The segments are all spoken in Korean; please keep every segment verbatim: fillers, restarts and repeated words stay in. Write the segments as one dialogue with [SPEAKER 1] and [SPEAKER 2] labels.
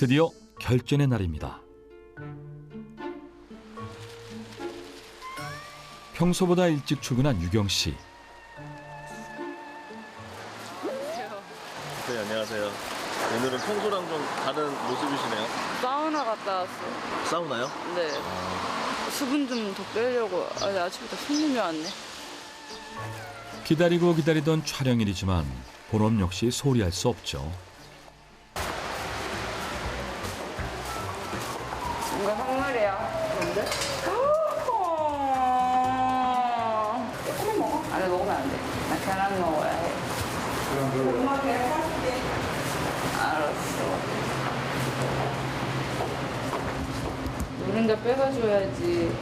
[SPEAKER 1] 드디어 결전의 날입니다. 평소보다 일찍 출근한 유경 씨.
[SPEAKER 2] 네, 안녕하세요. 오늘은 평소랑 좀 다른 모습이시네요.
[SPEAKER 3] 사우나 갔다 왔어.
[SPEAKER 2] 사우나요?
[SPEAKER 3] 네. 수분 좀 더 빼려고. 아니, 아침부터 손님이 왔네.
[SPEAKER 1] 기다리고 기다리던 촬영일이지만 본업 역시 소홀히 할 수 없죠.
[SPEAKER 3] 이거 선물이야. 뭔데? 조금 먹어. 아니, 먹으면 안 돼. 나 계란 먹어야 해. 엄마 계란 사줄게. 알았어. 노른자 빼가줘야지.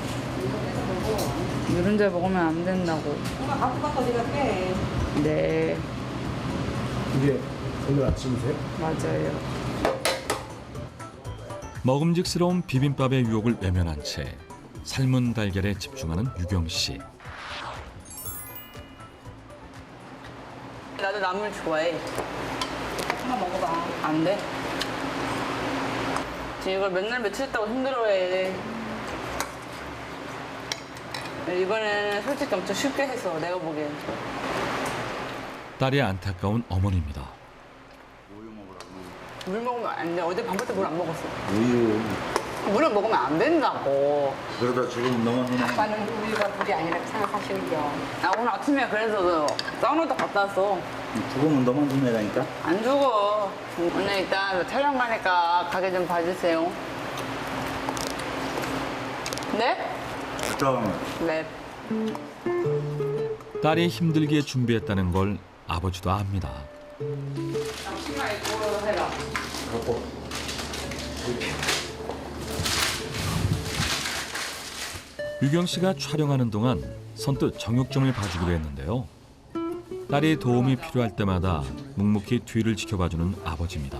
[SPEAKER 3] 노른자 먹으면 안 된다고.
[SPEAKER 4] 엄마 갖고 가서 네가 빼.
[SPEAKER 3] 네,
[SPEAKER 5] 이게 오늘 아침이세요?
[SPEAKER 3] 맞아요.
[SPEAKER 1] 먹음직스러운 비빔밥의 유혹을 외면한 채 삶은 달걀에 집중하는 유경 씨.
[SPEAKER 3] 나도 나물 좋아해.
[SPEAKER 4] 하나 먹어봐.
[SPEAKER 3] 안 돼? 지금 이걸 맨날 며칠 있다고 힘들어해. 이번에는 솔직히 엄청 쉽게 해서 내가 보기엔.
[SPEAKER 1] 딸의 안타까운 어머니입니다.
[SPEAKER 3] 물 먹으면 안 돼. 어제 밤부터 물 안 먹었어.
[SPEAKER 6] 우유.
[SPEAKER 3] 물을 먹으면 안 된다고.
[SPEAKER 6] 그러다 지금 너무 눈에
[SPEAKER 4] 아빠는 우유가 물이 아니라 생각하시는 겨.
[SPEAKER 3] 나 오늘 아침에 그래서 사우나도 갔다 왔어.
[SPEAKER 6] 죽으면 너무 눈에라니까.
[SPEAKER 3] 안 죽어. 오늘 일단 촬영 가니까 가게 좀 봐주세요. 네?
[SPEAKER 6] 좀
[SPEAKER 3] 네.
[SPEAKER 1] 딸이 힘들게 준비했다는 걸 아버지도 압니다.
[SPEAKER 3] 치마 입고 해라.
[SPEAKER 1] 유경 씨가 촬영하는 동안 선뜻 정육점을 봐주기로 했는데요. 딸이 도움이 필요할 때마다 묵묵히 뒤를 지켜봐주는 아버지입니다.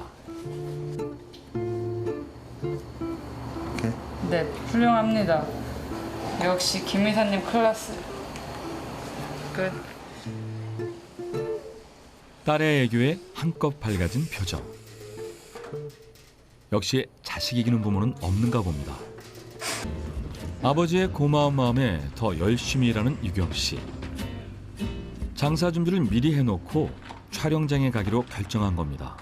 [SPEAKER 3] 네, 훌륭합니다. 역시 김 이사님 클래스. 끝.
[SPEAKER 1] 딸의 애교에 한껏 밝아진 표정. 역시 자식 이기는 부모는 없는가 봅니다. 아버지의 고마운 마음에 더 열심히 일하는 유경 씨. 장사 준비를 미리 해놓고 촬영장에 가기로 결정한 겁니다.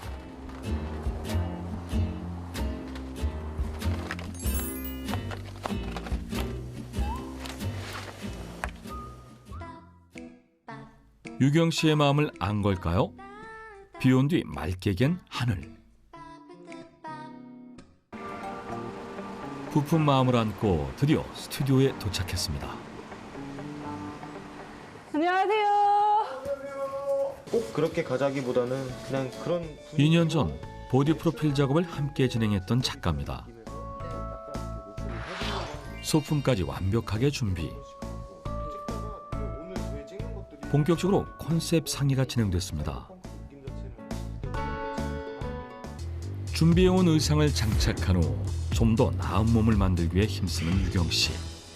[SPEAKER 1] 유경 씨의 마음을 안 걸까요? 비 온 뒤 맑게 갠 하늘. 부푼 마음을 안고 드디어 스튜디오에 도착했습니다.
[SPEAKER 3] 안녕하세요.
[SPEAKER 5] 꼭 그렇게 가자기보다는 그냥 그런
[SPEAKER 1] 이 년 전 보디 프로필 작업을 함께 진행했던 작가입니다. 소품까지 완벽하게 준비. 본격적으로 컨셉 상의가 진행됐습니다. 준비해온 의상을 장착한 후 좀 더 나은 몸을 만들기 위해 힘쓰는 유경 씨.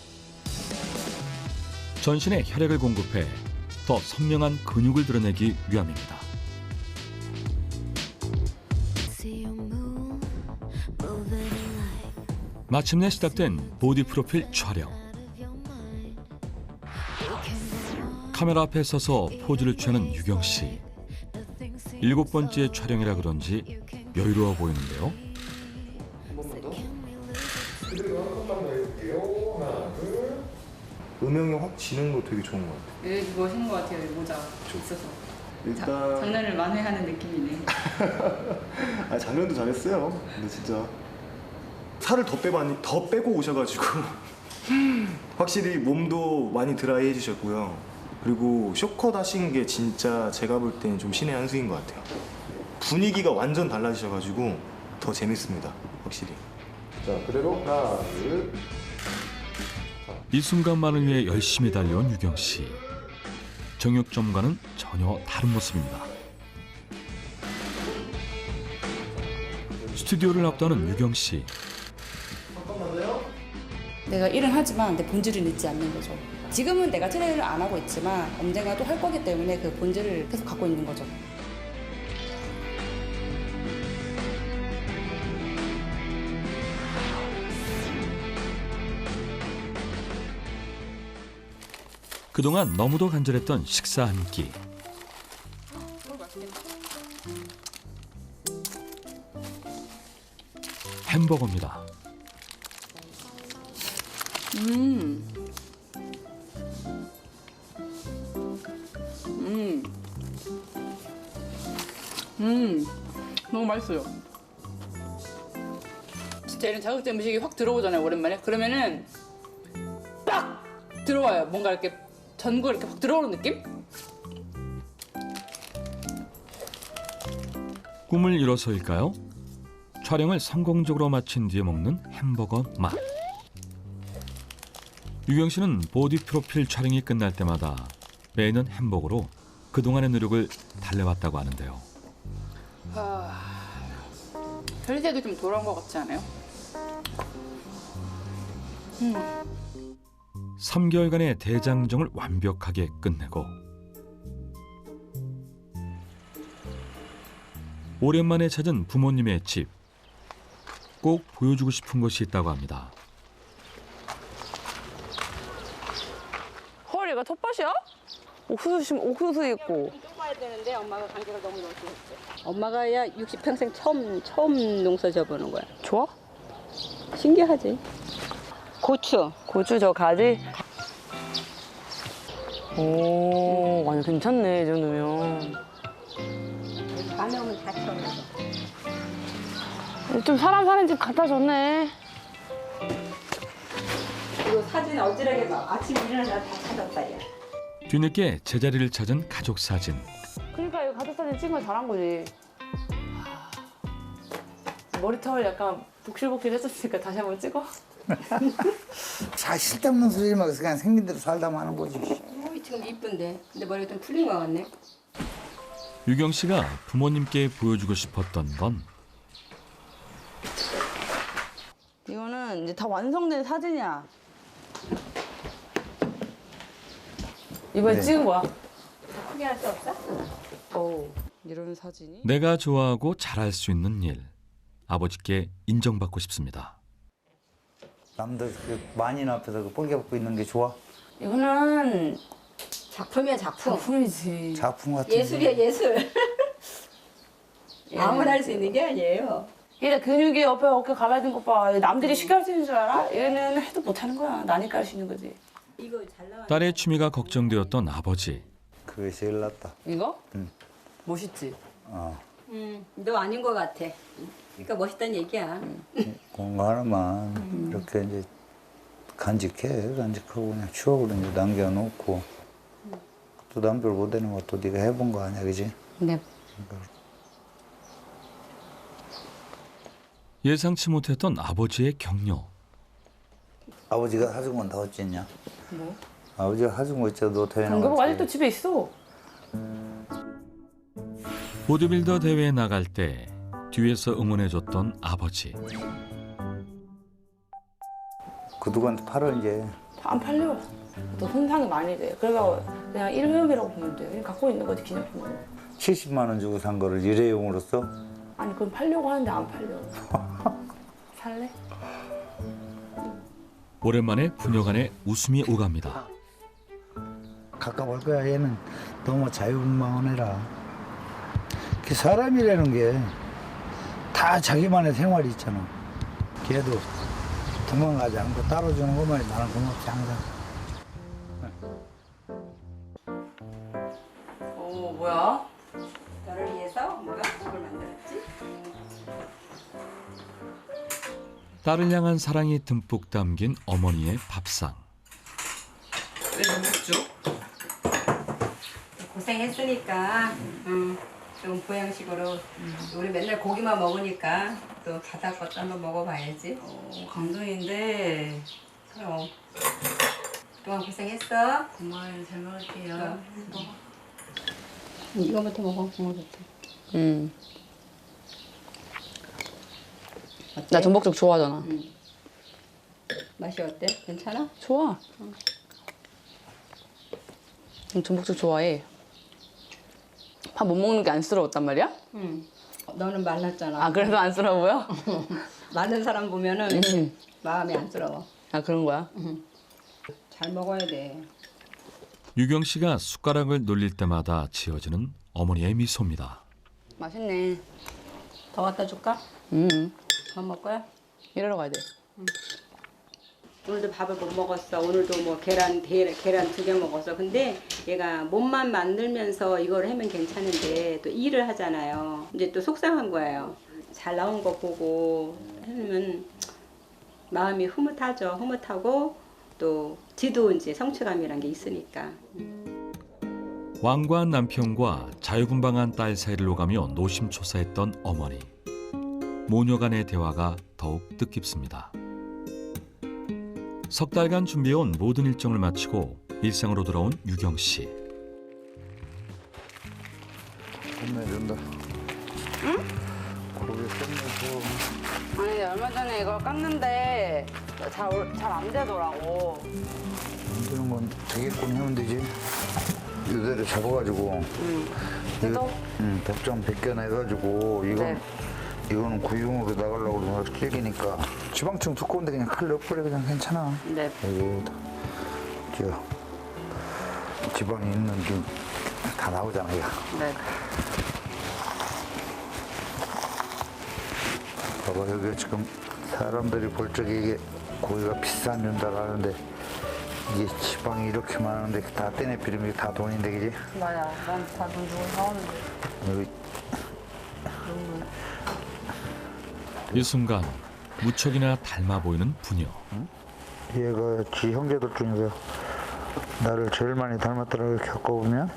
[SPEAKER 1] 전신에 혈액을 공급해 더 선명한 근육을 드러내기 위함입니다. 마침내 시작된 보디 프로필 촬영. 카메라 앞에 서서 포즈를 취하는 유경 씨. 일곱 번째 촬영이라 그런지 여유로워 보이는데요.
[SPEAKER 5] 음영이 확 지는 거 되게 좋은 것 같아요.
[SPEAKER 3] 예, 멋있는 것 같아요. 이 모자 있어서.
[SPEAKER 5] 일단
[SPEAKER 3] 자, 장난을 만회하는 느낌이네.
[SPEAKER 5] 아, 작년도 잘했어요. 근데 진짜 살을 더 빼고 더 빼고 오셔가지고 확실히 몸도 많이 드라이 해주셨고요. 그리고 쇼컷 하신 게 진짜 제가 볼 때는 좀 신의 한 수인 것 같아요. 분위기가 완전 달라지셔가지고 더 재밌습니다. 확실히. 자, 그대로 하나, 둘.
[SPEAKER 1] 이 순간만을 위해 열심히 달려온 유경 씨. 정육점과는 전혀 다른 모습입니다. 스튜디오를 앞두는 유경 씨.
[SPEAKER 4] 내가 일은 하지만 내 본질은 잊지 않는 거죠. 지금은 내가 트레이를 안 하고 있지만 언젠가 또 할 거기 때문에 그 본질을 계속 갖고 있는 거죠.
[SPEAKER 1] 그동안 너무도 간절했던 식사 한 끼. 햄버거입니다.
[SPEAKER 3] 음. 음. 음. 너무 맛있어요. 진짜 이런 자극적인 음식이 확 들어오잖아요, 오랜만에. 그러면은 딱 들어와요. 뭔가 이렇게 전구 이렇게 확 들어오는 느낌?
[SPEAKER 1] 꿈을 이뤄서일까요? 촬영을 성공적으로 마친 뒤에 먹는 햄버거 맛. 유경 씨는 보디 프로필 촬영이 끝날 때마다 매년 햄버거로 그동안의 노력을 달래왔다고 하는데요.
[SPEAKER 3] 혈세도 좀 돌아온 것 같지 않아요?
[SPEAKER 1] 삼 개월간의 대장정을 완벽하게 끝내고 오랜만에 찾은 부모님의 집. 꼭 보여주고 싶은 것이 있다고 합니다.
[SPEAKER 3] 헐, 얘가 텃밭이야? 옥수수 심 옥수수 있고.
[SPEAKER 7] 뽑아야 되는데 엄마가 관계가 너무 넓게 했어. 엄마가 야 육십 평생 처음 처음 농사 져보는 거야.
[SPEAKER 3] 좋아?
[SPEAKER 7] 신기하지? 고추.
[SPEAKER 3] 고추 저 가지? 오, 완전 괜찮네, 이 정도면.
[SPEAKER 7] 밤에 오면 다 채워놨어.
[SPEAKER 3] 좀 사람 사는 집 갖다 줬네.
[SPEAKER 7] 이거 사진 어지럽게 봐. 아침에 일어나서 다 찾았다 얘.
[SPEAKER 1] 뒤늦게 제자리를 찾은 가족 사진.
[SPEAKER 3] 그러니까 이거 가족 사진 찍은 거 잘한 거지. 머리털 약간 복실복실 했었으니까 다시 한번 찍어.
[SPEAKER 8] 자, 쓸데없는 소리 막 그냥 생긴 대로 살다 마는 거지.
[SPEAKER 7] 어이, 지금 이쁜데. 근데 머리가 좀 풀린 거 같네.
[SPEAKER 1] 유경 씨가 부모님께 보여주고 싶었던 건
[SPEAKER 3] 이거는 이제 다 완성된 사진이야. 이번에
[SPEAKER 8] 네.
[SPEAKER 3] 찍은 거야.
[SPEAKER 7] 크게 할 수 없어?
[SPEAKER 3] 오, 이런 사진이.
[SPEAKER 1] 내가 좋아하고 잘할 수 있는 일. 아버지께 인정받고 싶습니다.
[SPEAKER 8] 남들 그 만인 앞에서 그 뻘개 벗고 있는 게 좋아?
[SPEAKER 3] 이거는
[SPEAKER 7] 작품이야 작품.
[SPEAKER 3] 작품이지.
[SPEAKER 8] 작품 같은
[SPEAKER 7] 예술이야 예술.
[SPEAKER 3] 예.
[SPEAKER 7] 아무나 할 수 있는 게 아니에요.
[SPEAKER 3] 얘 근육이 옆에 어깨 갈라진 것 봐. 남들이 쉽게 할 수 있는 줄 알아? 얘는 해도 못하는 거야. 나니까 할 수 있는 거지.
[SPEAKER 7] 이거 잘 나와.
[SPEAKER 1] 딸의 취미가 걱정되었던 아버지.
[SPEAKER 8] 그게 제일 낫다.
[SPEAKER 3] 이거?
[SPEAKER 8] 응.
[SPEAKER 3] 멋있지?
[SPEAKER 8] 어.
[SPEAKER 7] 음, 너 아닌 것 같아. 그러니까 멋있다는 얘기야.
[SPEAKER 8] 뭔가 하나만 이렇게 이제 간직해. 간직하고 그냥 추억으로 이제 남겨놓고 또 남들 못하는 것도 네가 해본 거 아니야, 그지?
[SPEAKER 3] 네.
[SPEAKER 1] 예상치 못했던 아버지의 격려.
[SPEAKER 8] 아버지가 사준 건 다 어쨌냐?
[SPEAKER 3] 뭐?
[SPEAKER 8] 아버지가 사준 거 있잖아, 너 대회
[SPEAKER 3] 경교복
[SPEAKER 8] 나갈 때.
[SPEAKER 3] 아직도 집에 있어.
[SPEAKER 1] 보디빌더 대회에 나갈 때 뒤에서 응원해줬던 아버지.
[SPEAKER 8] 그 누구한테 팔아 이제.
[SPEAKER 3] 안 팔려. 또 손상이 많이 돼. 그래서 그냥 일회용이라고 보면 돼. 그냥 갖고 있는 거지, 기념품으로.
[SPEAKER 8] 칠십만 원 주고 산 거를 일회용으로 써?
[SPEAKER 3] 아니, 그건 팔려고 하는데 안 팔려. 살래?
[SPEAKER 1] 오랜만에 부녀간의 웃음이 오갑니다.
[SPEAKER 8] 가까울 거야. 얘는 너무 자유분방해라. 그 사람이라는 게 다 자기만의 생활이 있잖아. 걔도 도망가지 않고 따라주는 것만이 나는 고맙지 항상.
[SPEAKER 3] 어, 뭐야?
[SPEAKER 7] 너를 위해서 엄마가 국을 만들었지.
[SPEAKER 1] 딸을 향한 사랑이 듬뿍 담긴 어머니의 밥상.
[SPEAKER 3] 왜 너무 죠
[SPEAKER 7] 고생했으니까 음, 좀 보양식으로 우리 맨날 고기만 먹으니까 또 바다 것도 한번 먹어봐야지.
[SPEAKER 3] 어, 감동인데.
[SPEAKER 7] 그럼 그동안 고생했어.
[SPEAKER 3] 고마워요. 잘 먹을게요.
[SPEAKER 7] 어. 이거부터 먹어. 이거부터.
[SPEAKER 3] 음. 나 전복죽 좋아하잖아.
[SPEAKER 7] 맛이 어때? 괜찮아?
[SPEAKER 3] 좋아. 응, 전복죽 좋아해. 밥 못 먹는 게 안쓰러웠단 말이야?
[SPEAKER 7] 응. 너는 말랐잖아.
[SPEAKER 3] 아, 그래서 안쓰러워요?
[SPEAKER 7] 마른 사람 보면은
[SPEAKER 3] 음.
[SPEAKER 7] 마음이 안쓰러워.
[SPEAKER 3] 아, 그런 거야?
[SPEAKER 7] 잘 먹어야 돼.
[SPEAKER 1] 유경 씨가 숟가락을 놀릴 때마다 지어지는 어머니의 미소입니다.
[SPEAKER 3] 맛있네.
[SPEAKER 7] 더 갖다 줄까?
[SPEAKER 3] 음,
[SPEAKER 7] 더 먹을 거야?
[SPEAKER 3] 일하러 가야 돼.
[SPEAKER 7] 오늘도 밥을 못 먹었어. 오늘도 뭐 계란 대, 계란 두 개 먹었어. 근데 얘가 몸만 만들면서 이걸 하면 괜찮은데 또 일을 하잖아요. 이제 또 속상한 거예요. 잘 나온 거 보고 하면 마음이 흐뭇하죠. 흐뭇하고 또 지도 이제 성취감이란 게 있으니까.
[SPEAKER 1] 완고한 남편과 자유분방한 딸 사이를 오가며 노심초사했던 어머니. 모녀 간의 대화가 더욱 뜻깊습니다. 석 달간 준비해온 모든 일정을 마치고 일상으로 돌아온 유경 씨.
[SPEAKER 8] 끝내준다. 응? 고기 끝내줘.
[SPEAKER 3] 아니 얼마 전에 이걸 깠는데 잘 안 되더라고.
[SPEAKER 8] 만드는 건 되겠군 하면 되지. 이대로 잡아가지고.
[SPEAKER 3] 응.
[SPEAKER 8] 이거,
[SPEAKER 3] 해도?
[SPEAKER 8] 응, 복장 벗겨내가지고 이건
[SPEAKER 3] 네.
[SPEAKER 8] 이거는 구용으로 나가려고 그러면 질기니까 지방층 두꺼운데 그냥 칼 넣어버려 그냥 괜찮아.
[SPEAKER 3] 네.
[SPEAKER 8] 여기다 저 지방이 있는 게 다 나오잖아 이거.
[SPEAKER 3] 네.
[SPEAKER 8] 봐봐 여기 지금 사람들이 볼 적에 이게 고기가 비싼 준다고 하는데 이게 지방이 이렇게 많은데 다 떼내 비리면 다 돈인데 그지?
[SPEAKER 3] 맞아. 난 다 돈 주고 사오는데.
[SPEAKER 8] 여기
[SPEAKER 1] 이 순간 무척이나 닮아 보이는 부녀.
[SPEAKER 8] 얘가 지 형제들 중에서 나를 제일 많이 닮았더라고 겪어보면.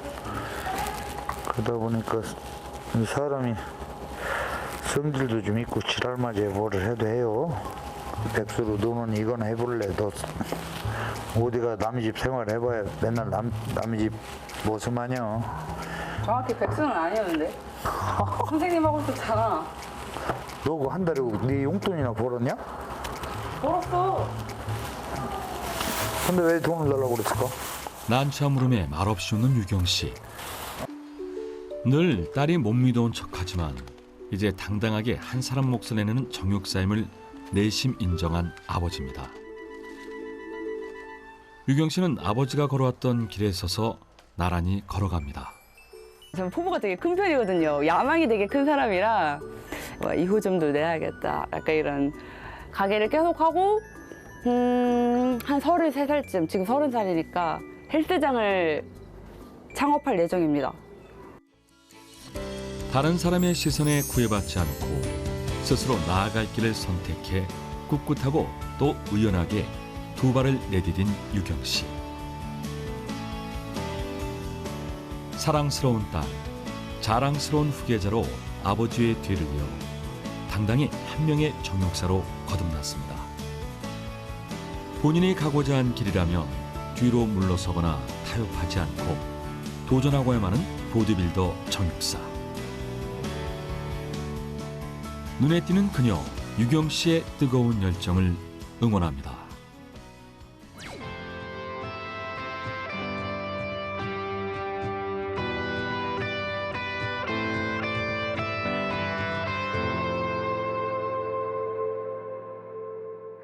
[SPEAKER 8] 그러다 보니까 이 사람이 성질도 좀 있고 지랄맞이에 뭐를 해도 해요. 백수로 너는 이거나 해볼래? 너 어디가 남의 집 생활 해봐야 맨날 남, 남의 집 모습 마냥.
[SPEAKER 3] 정확히 백수는 아니었는데. 선생님하고 있었잖아.
[SPEAKER 8] 너 그 한 달에 네 용돈이나 벌었냐?
[SPEAKER 3] 벌었어.
[SPEAKER 8] 근데 왜 돈을 달라고 그랬을까?
[SPEAKER 1] 난처한 물음에 말없이 웃는 유경 씨. 늘 딸이 못 믿어온 척하지만 이제 당당하게 한 사람 몫을 내는 정육사임을 내심 인정한 아버지입니다. 유경 씨는 아버지가 걸어왔던 길에 서서 나란히 걸어갑니다.
[SPEAKER 3] 저는 포부가 되게 큰 편이거든요. 야망이 되게 큰 사람이라 뭐 이호점도 내야겠다. 약간 이런 가게를 계속하고 음, 한 서른세 살쯤, 지금 서른 살이니까 헬스장을 창업할 예정입니다.
[SPEAKER 1] 다른 사람의 시선에 구애받지 않고 스스로 나아갈 길을 선택해 꿋꿋하고 또 의연하게 두 발을 내디딘 유경 씨. 사랑스러운 딸, 자랑스러운 후계자로 아버지의 뒤를 이어 당당히 한 명의 정육사로 거듭났습니다. 본인이 가고자 한 길이라면 뒤로 물러서거나 타협하지 않고 도전하고야만 하는 보디빌더 정육사. 눈에 띄는 그녀 유경 씨의 뜨거운 열정을 응원합니다.